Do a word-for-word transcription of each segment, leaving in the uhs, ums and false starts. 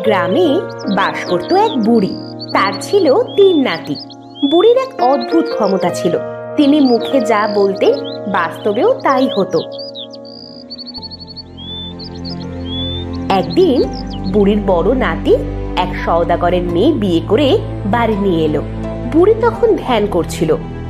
গ্রামে বাস করত এক বুড়ি। তার ছিল তিন নাতি। বুড়ির এক অদ্ভুত ক্ষমতা ছিল, তিনি মুখে যা বলতেন বাস্তবেও তাই হতো। একদিন বুড়ির বড় নাতি এক সওদাগরের মেয়ে বিয়ে করে বাড়ি নিয়ে এলো। বুড়ি তখন ধ্যান করছিল।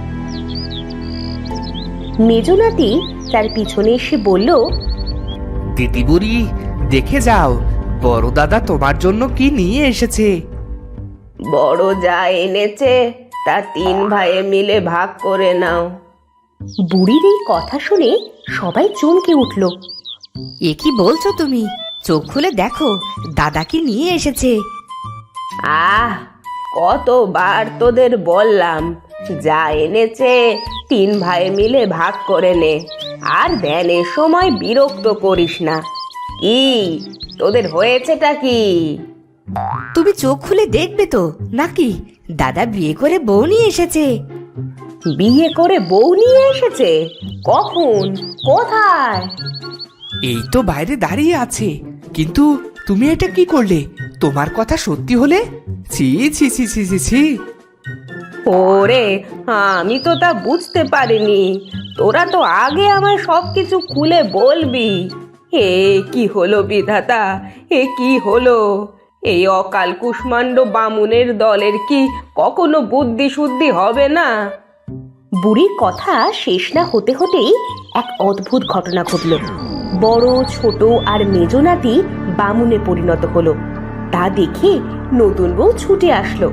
মেজ নাতি তার পিছনে এসে বলল, দিদি বুড়ি, দেখে যাও বড় দাদা তোমার জন্য কি নিয়ে এসেছে। বড় যা এনেছে তা তিন ভাইয়ে মিলে ভাগ করে নাও। বুড়ির এই কথা শুনে সবাই চমকে উঠল। এ কি বলছো তুমি? চোখ খুলে দেখো দাদা কি নিয়ে এসেছে। আহ, কতবার তোদের বললাম, যা এনেছে তিন ভাই মিলে ভাগ করে নে, আর ধ্যানের সময় বিরক্ত করিস না। কি তোদের হয়েছেটা কি? তুমি চোখ খুলে দেখবে তো নাকি দাদা বিয়ে করে বউ নিয়ে এসেছে। বিয়ে করে বউ নিয়ে এসেছে? কখন, কোথায়? এই তো বাইরে দাঁড়িয়ে আছে, কিন্তু তুমি এটা কি করলে? তোমার কথা সত্যি হলে? ছি ছি ছি ছি ছি ছি। ওরে, আমি তো তা বুঝতে পারিনি। তোরা তো আগে আমায় সবকিছু খুলে বলবি। এ কি হলো বিধাতা, এ কি হলো? এই অকাল কুষ্মাণ্ড বামুনের দলের কি কখনো বুদ্ধি শুদ্ধি হবে না? বুড়ির কথা শেষ না হতে হতেই এক অদ্ভুত ঘটনা ঘটল। বড়, ছোট আর মেজ নাতি বামুনে পরিণত হলো। তা দেখে নতুন বউ ছুটে আসলো।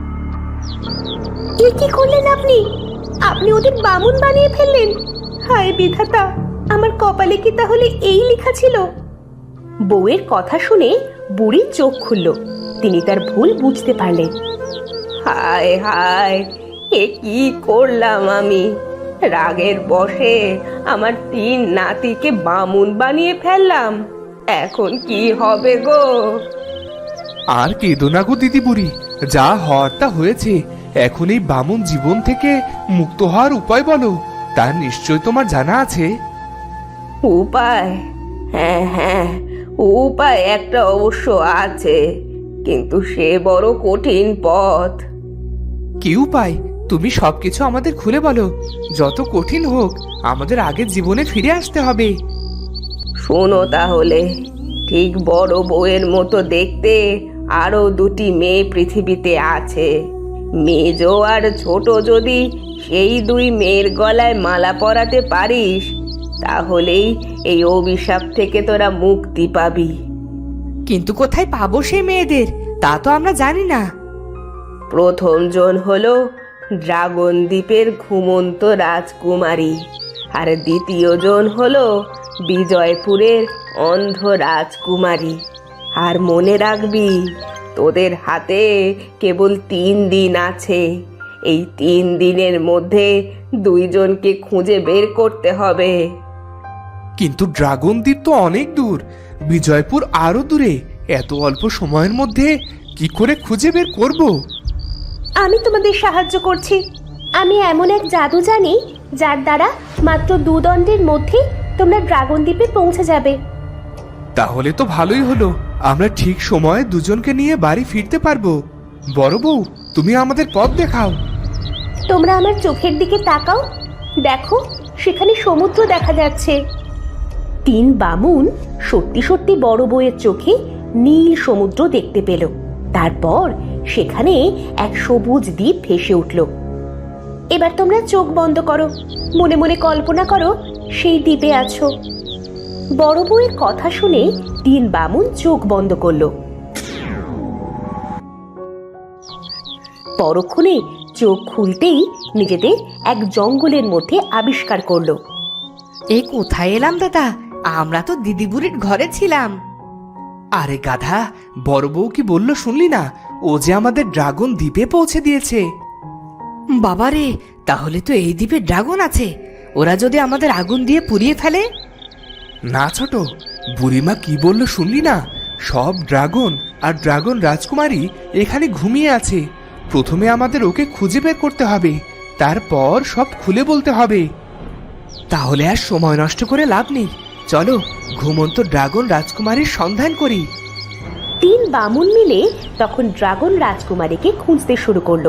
এ কি করলেন আপনি? আপনি ওদের বামুন বানিয়ে ফেললেন। হায় বিধাতা, আমার কপালে কি তাহলে এই লেখা ছিল? বউয়ের কথা শুনে বুড়ি চোখ খুলল। তিনি তার ভুল বুঝতে পারলেন। হায় হায়, এ কি করলাম আমি? রাগের বশে আমার তিন নাতিকে বামুন বানিয়ে ফেললাম। এখন কি হবে গো? আর কেঁদো না গো দিদি বুড়ি, যা হওয়ার তা হয়েছে। এখন এই বামুন জীবন থেকে মুক্ত হওয়ার উপায় বলো, তার নিশ্চয় তোমার জানা আছে। উপায়? হ্যাঁ হ্যাঁ, উপায় একটা অবশ্য আছে, কিন্তু সে বড় কঠিন পথ। কি উপায়? তুমি সবকিছু আমাদের খুলে বলো। যত কঠিন হোক, আমাদের আগের জীবনে ফিরে আসতে হবে। শোনো তাহলে, ঠিক বড় বউয়ের মতো দেখতে আরো দুটি মেয়ে পৃথিবীতে আছে। মেজ আর ছোট যদি সেই দুই মেয়ের গলায় মালা পরাতে পারিস, তাহলেই এই অভিশাপ থেকে তোরা মুক্তি পাবি। কিন্তু কোথায় পাবো সেই মেয়েদের তা তো আমরা জানি না। প্রথম জন হলো ড্রাগন দ্বীপের ঘুমন্ত রাজকুমারী, আর দ্বিতীয় জন হলো বিজয়পুরের অন্ধ রাজকুমারী। আর মনে রাখবি, তোদের হাতে কেবল তিন দিন আছে। এই তিন দিনের মধ্যে দুইজনকে খুঁজে বের করতে হবে। কিন্তু ড্রাগন দ্বীপ তো অনেক দূর, বিজয়পুর আরো দূরে। এত অল্প সময়ের মধ্যে কি করে খুঁজে বের করব? আমি তোমাদের সাহায্য করছি। আমি এমন এক জাদু জানি, যার দ্বারা মাত্র দু দণ্ডের মধ্যে তোমরা ড্রাগন দ্বীপে পৌঁছে যাবে। তাহলে তো ভালোই হলো, আমরা ঠিক সময়ে দুজনকে নিয়ে বাড়ি ফিরতে পারবো। বড় বউ, তুমি আমাদের পথ দেখাও। তোমরা আমার চোখের দিকে তাকাও, দেখো সেখানে সমুদ্র দেখা যাচ্ছে। তিন বামুন সত্যি সত্যি বড় বউয়ের চোখে নীল সমুদ্র দেখতে পেল। তারপর সেখানে এক সবুজ দ্বীপ ভেসে উঠল। এবার তোমরা চোখ বন্ধ করো, মনে মনে কল্পনা করো সেই দ্বীপে আছো। বড় বউয়ের কথা শুনে তিন বামুন চোখ বন্ধ করলো। পরক্ষণে চোখ খুলতেই নিজেদের এক জঙ্গলের মধ্যে আবিষ্কার করলো। এ কোথায় এলাম দাদা? আমরা তো দিদি বুড়ির ঘরে ছিলাম। আরে গাধা, বড় বউ কি বললো শুনলি না? ও যে আমাদের ড্রাগন দ্বীপে পৌঁছে দিয়েছে। বাবারে, তাহলে তো এই দ্বীপে ড্রাগন আছে। ওরা যদি আমাদের আগুন দিয়ে পুড়িয়ে ফেলে? না ছোট, বুড়িমা কি বললো শুনলি না? সব ড্রাগন আর ড্রাগন রাজকুমারী এখানে ঘুমিয়ে আছে। প্রথমে আমাদের ওকে খুঁজে বের করতে হবে, তারপর সব খুলে বলতে হবে। তাহলে আর সময় নষ্ট করে লাভ নেই, চলো ঘুমন্ত ড্রাগন রাজকুমারীর সন্ধান করি। তিন বামুন মিলে তখন ড্রাগন রাজকুমারীকে খুঁজতে শুরু করলো।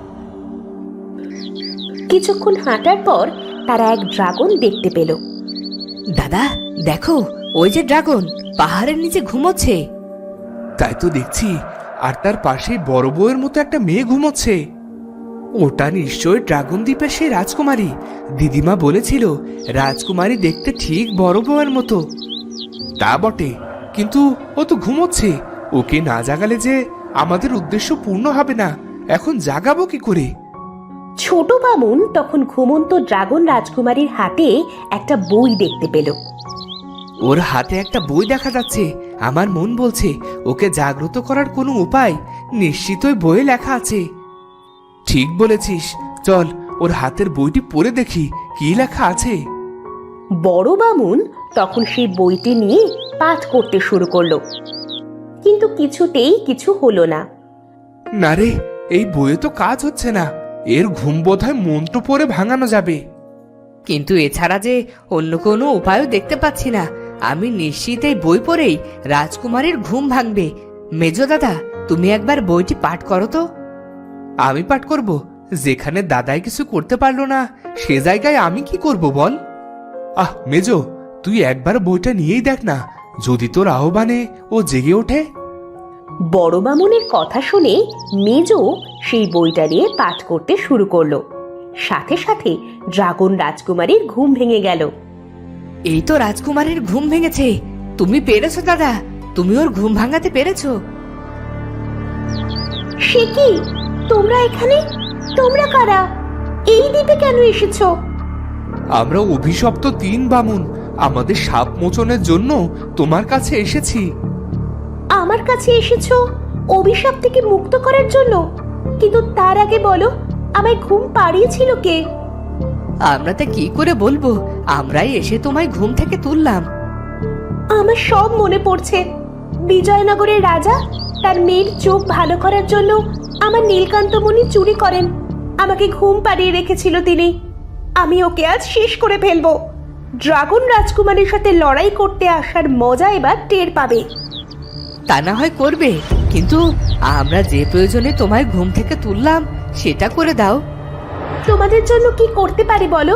কিছুক্ষণ হাঁটার পর তারা এক ড্রাগন দেখতে পেল। দাদা দেখো, ওই যে ড্রাগন পাহাড়ের নিচে ঘুমোচ্ছে। তাই তো দেখছি, আর তার পাশে বড় বউয়ের মতো একটা মেয়ে ঘুমোচ্ছে। ওটা নিশ্চয় ড্রাগন দ্বীপের সেই রাজকুমারী। দিদিমা বলেছিল রাজকুমারী দেখতে ঠিক বড় বউয়ের মতো। তা বটে, কিন্তু ও তো ঘুমোচ্ছে। ওকে না জাগালে যে আমাদের উদ্দেশ্য পূর্ণ হবে না। এখন জাগাবো কি করে? ছোট বামুন তখন ঘুমন্ত ড্রাগন রাজকুমারীর হাতে একটা বই দেখতে পেল। ওর হাতে একটা বই দেখা যাচ্ছে। আমার মন বলছে ওকে জাগ্রত করার কোনো উপায় নিশ্চিত ওই বইয়ে লেখা আছে। ঠিক বলেছিস, চল ওর হাতের বইটি পড়ে দেখি কি লেখা আছে। বড় বামুন তখন সেই বইটি নিয়ে পাঠ করতে শুরু করলো, কিন্তু কিছুতেই কিছু হলো না। না রে, এই বইয়ে তো কাজ হচ্ছে না। এর ঘুম বোধহয় মন্ত্র পড়ে ভাঙানো যাবে। কিন্তু এছাড়া যে অন্য কোনো উপায়ও দেখতে পাচ্ছি না। আমি নিশ্চিত এই বই পড়েই রাজকুমারীর ঘুম ভাঙবে। মেজো দাদা, তুমি একবার বইটি পাঠ করো তো। আমি পাঠ করব? যেখানে দাদাই কিছু করতে পারলো না সে জায়গায় আমি কি করব বল? আহ মেজো, তুই একবার বইটা নিয়েই দেখ না, যদি তোর আহ্বানে ও জেগে ওঠে। বড় বামুনের কথা শুনে মেজো সেই বইটা নিয়ে পাঠ করতে শুরু করলো। সাথে সাথে ড্রাগন রাজকুমারীর ঘুম ভেঙে গেল। এই তো রাজকুমারীর ঘুম ভেঙেছে। তুমি পেরেছো দাদা, তুমি ওর ঘুম ভাঙাতে পেরেছো। সে কি, তোমরা এখানে? তোমরা কারা? এই দ্বীপে কেন এসেছো? আমরা অভিশপ্ত তিন বামুন আমাদের সাপ মোচনের জন্য তোমার কাছে এসেছি। আমার কাছে এসেছো অভিশাপ থেকে মুক্ত করার জন্য? কিন্তু তার আগে বলো, আমায় ঘুম পাড়িয়েছিল কে? আমরা তা কি করে বলবো, আমরাই এসে তোমায় ঘুম থেকে তুললাম। আমার সব মনে পড়ছে। বিজয়নগরের রাজা তার মেয়ের চোখ ভালো করার জন্য আমার নীলকান্তমণি চুরি করেন। আমাকে ঘুম পাড়িয়ে রেখেছিল তিনি। আমি ওকে আজ শেষ করে ফেলবো। ড্রাগন রাজকুমারীর সাথে লড়াই করতে আসার মজা এবার টের পাবে। তা না হয় করবে, কিন্তু আমরা যে প্রয়োজনে তোমায় ঘুম থেকে তুললাম সেটা করে দাও। তোমাদের জন্য কি করতে পারি বলো?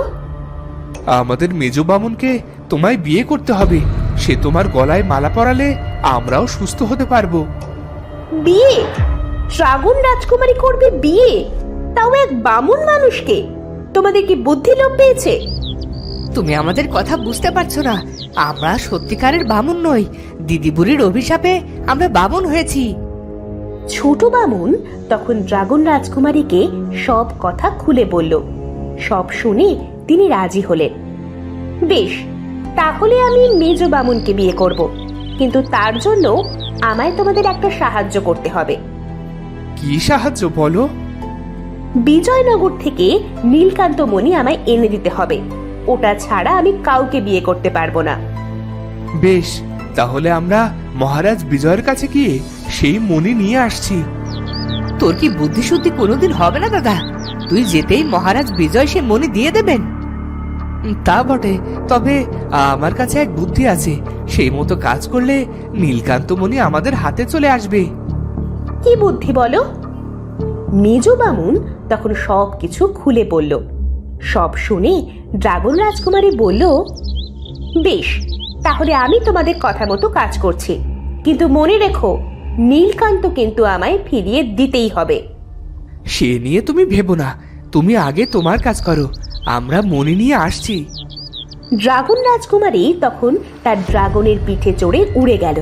আমাদের মেজো বামুনকে তোমায় বিয়ে করতে হবে। সে তোমার গলায় মালা পরালে আমরাও সুস্থ হতে পারবো। বিয়ে? ড্রাগন রাজকুমারী করবে বিয়ে? তাও এক বামুন মানুষকে? তোমাদের কি বুদ্ধি লোপ পেয়েছে? তুমি আমাদের কথা বুঝতে পারছো না। আমরা সত্যিকারের বামুন নই। দিদি বুড়ির অভিশাপে আমরা বামুন হয়েছি। ছোট বামুন তখন ড্রাগন রাজকুমারীকে সব কথা খুলে বলল। সব শুনে তিনি রাজি হলেন। বেশ, তাহলে আমি মেজো বামুনকে বিয়ে করব, কিন্তু তার জন্য আমায় তোমাদের একটা সাহায্য করতে হবে। কি সাহায্য বলো? বিজয়নগর থেকে নীলকান্তমণি আমায় এনে দিতে হবে। ওটা ছাড়া আমি কাউকে বিয়ে করতে পারবো না। বেশ, তাহলে আমরা মহারাজ বিজয়ের কাছে গিয়ে সেই মণি নিয়ে আসছি। তোর কি বুদ্ধি শুদ্ধি কোনোদিন হবে না দাদা? তুই যেতেই মহারাজ বিজয় সে মণি দিয়ে দেবেন। উম, তা বটে, তবে আমার কাছে এক বুদ্ধি আছে। সেই মতো কাজ করলে নীলকান্তমণি আমাদের হাতে চলে আসবে। কি বুদ্ধি বলো? মেজো বামুন তখন সব কিছু খুলে বলল। সব শুনে ড্রাগন রাজকুমারী বলল, বেশ, তাহলে আমি তোমাদের কথা মতো কাজ করছি, কিন্তু মনে রেখো নীলকান্ত কিন্তু আমায় ফিরিয়ে দিতেই হবে। সে নিয়ে তুমি ভেবো না, তুমি আগে তোমার কাজ করো, আমরা মণি নিয়ে আসছি। ড্রাগন রাজকুমারী তখন তার ড্রাগনের পিঠে চড়ে উড়ে গেল।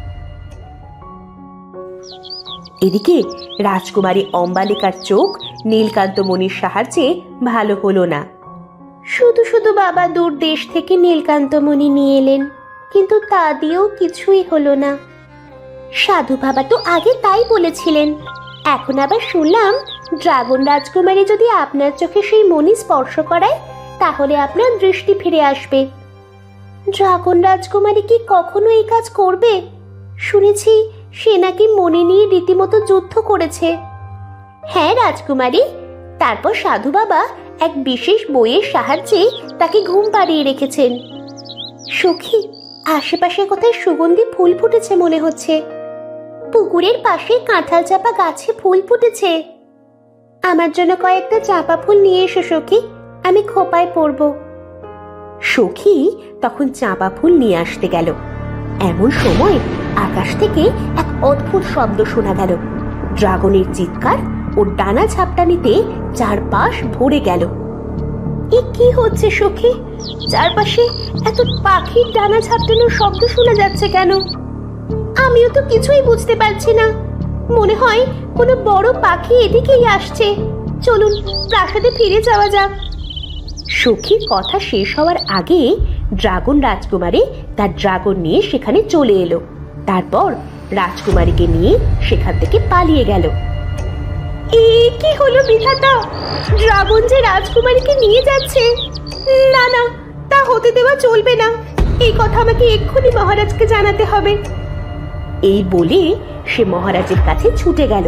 এদিকে রাজকুমারী অম্বালিকার চোখ নীলকান্তমণির সাহায্যে ভালো হলো না। শুধু শুধু বাবা দূর দেশ থেকে নীলকান্তমণি নিয়ে এলেন, কিন্তু তা দিয়েও কিছুই হলো না। সাধু বাবা তো আগে তাই বলেছিলেন। এখন আবার শুনলাম ড্রাগন রাজকুমারী যদি আপনার চোখে সেই মণি স্পর্শ করায় তাহলে আপনার দৃষ্টি ফিরে আসবে। ড্রাগন রাজকুমারী কি কখনো এই কাজ করবে? শুনেছি সে নাকি মণি নিয়ে রীতিমতো যুদ্ধ করেছে। হ্যাঁ রাজকুমারী, তারপর সাধু বাবা এক বিশেষ বইয়ের সাহায্যে তাকে ঘুম পাড়িয়ে রেখেছেন। সখী, আশেপাশে কোথায় সুগন্ধি ফুল ফুটেছে মনে হচ্ছে। পুকুরের পাশে কাঁঠাল চাপা গাছে ফুল ফুটেছে। আমার জন্য কয়েকটা চাপা ফুল নিয়ে এসো সখী, আমি খোপায় পরবো। সখী তখন চাঁপা ফুল নিয়ে আসতে গেল। এমন সময় আকাশ থেকে এক অদ্ভুত শব্দ শোনা গেল। ড্রাগনের চিৎকার ও ডানা ঝাপটানিতে চারপাশ ভরে গেল। এ কি হচ্ছে সখী? চারপাশে এত পাখির ডানা ঝাপটানোর শব্দ শোনা যাচ্ছে কেন? আমিও তো কিছুই বুঝতে পারছি না। মনে হয় কোনো বড় পাখি এদিকেই আসছে। চলুন প্রাসাদে ফিরে যাওয়া যাক। সখীর কথা শেষ হওয়ার আগে ড্রাগন রাজকুমারী তার ড্রাগন নিয়ে সেখানে চলে এলো। তারপর রাজকুমারীকে নিয়ে সেখান থেকে পালিয়ে গেল। এ কি হলো বিধাতা? ড্রাগন যে রাজকুমারীকে নিয়ে যাচ্ছে। না না, তা হতে দেওয়া চলবে না। এই কথা আমাকে এক্ষুনি মহারাজকে জানাতে হবে। এই বলে সে মহারাজের কাছে ছুটে গেল।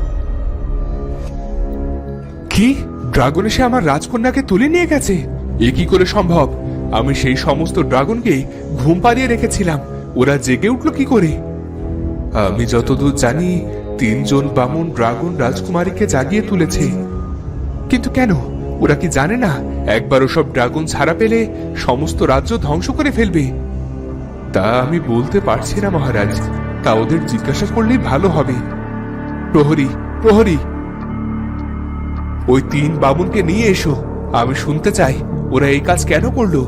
কি, ড্রাগন এসে আমার রাজকন্যাকে তুলে নিয়ে গেছে? এ কি করে সম্ভব? আমি সেই সমস্ত ড্রাগনকে ঘুম পাড়িয়ে রেখেছিলাম, ওরা জেগে উঠলো কি করে? আমি যতদূর জানি তিনজন বামুন ড্রাগন রাজকুমারীকে জাগিয়ে তুলেছে। কিন্তু কেন? ওরা কি জানে না একবার ওসব ড্রাগন ছাড়া পেলে সমস্ত রাজ্য ধ্বংস করে ফেলবে? তা আমি বলতে পারছি না মহারাজ, তা ওদের জিজ্ঞাসা করলেই ভালো হবে। প্রহরী, প্রহরী, ওই তিন বামুনকে নিয়ে এসো, আমি শুনতে চাই ওরা এই কাজ কেন করলো।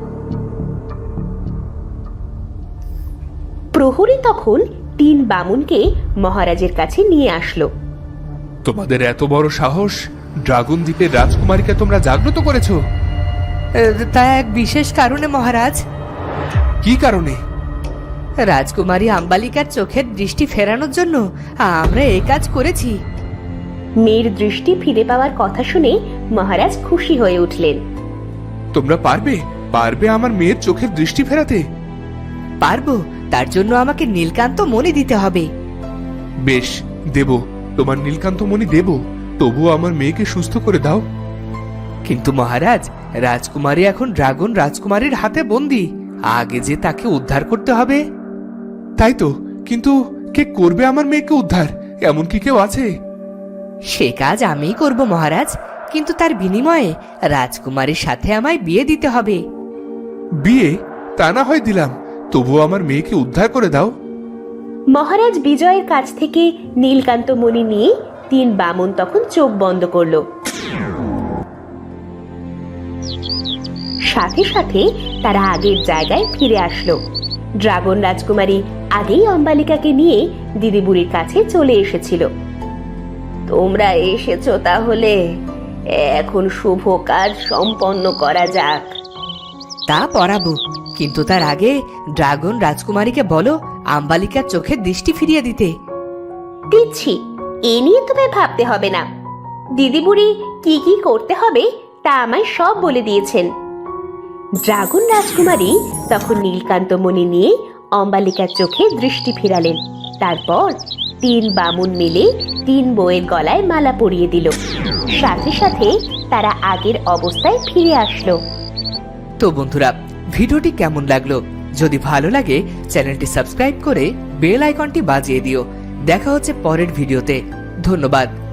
প্রহরী তখন তিন বামুনকে মহারাজের কাছে নিয়ে আসলো। তোমাদের এত বড় সাহস, ড্রাগন দ্বীপের রাজকুমারীকে তোমরা জাগ্রত করেছো? তা এক বিশেষ কারণে মহারাজ। কি কারণে? রাজকুমারী আম্বালিকার চোখের দৃষ্টি ফেরানোর জন্য আমরা এই কাজ করেছি। মেয়ের দৃষ্টি ফিরে পাওয়ার কথা শুনে মহারাজ খুশি হয়ে উঠলেন। তোমরা পারবে পারবে আমার মেয়ের চোখের দৃষ্টি ফেরাতে? পারবো, তার জন্য আমাকে নীলকান্ত মণি দিতে হবে। বেশ, দেব, তোমার নীলকান্ত মণি দেব, তবুও আমার মেয়েকে সুস্থ করে দাও। কিন্তু মহারাজ, রাজকুমারী এখন ড্রাগন রাজকুমারীর হাতে বন্দী, আগে যে তাকে উদ্ধার করতে হবে। তাই তো, কিন্তু কে করবে আমার মেয়েকে উদ্ধার? এমন কি কেউ আছে? সে কাজ আমিই করব মহারাজ, কিন্তু তার বিনিময়ে রাজকুমারীর সাথে আমায় বিয়ে দিতে হবে। বিয়ে? তা না হয় দিলাম, তবুও আমার মেয়েকে উদ্ধার করে দাও। মহারাজ বিজয়ের কাছ থেকে নীলকান্ত মণি নিয়ে তিন বামুন তখন চোখ বন্ধ করলো। সাথে সাথে তারা আগের জায়গায় ফিরে আসলো। ড্রাগন রাজকুমারী আগেই অম্বালিকাকে নিয়ে দিদিবুড়ির কাছে চলে এসেছিল। তোমরা এসেছো, তাহলে এখন শুভ কাজ সম্পন্ন করা যাক। তা পরাবো, কিন্তু তার আগে ড্রাগন রাজকুমারীকে বলো আম্বালিকার চোখের দৃষ্টি ফিরিয়ে দিতে। দিচ্ছি, এ নিয়ে তোমায় ভাবতে হবে না। দিদিবুড়ি কি কি করতে হবে তা আমায় সব বলে দিয়েছেন। ড্রাগন রাজকুমারী তখন নীলকান্ত মণি নিয়ে অম্বালিকার চোখে দৃষ্টি ফিরালেন। তারপর তিন বামুন মিলে তিন বউয়ের গলায় মালা পরিয়ে দিল। সাথে সাথে তারা আগের অবস্থায় ফিরে আসলো। তো বন্ধুরা, ভিডিওটি কেমন লাগলো? যদি ভালো লাগে চ্যানেলটি সাবস্ক্রাইব করে বেল আইকনটি বাজিয়ে দিও। দেখা হচ্ছে পরের ভিডিওতে। ধন্যবাদ।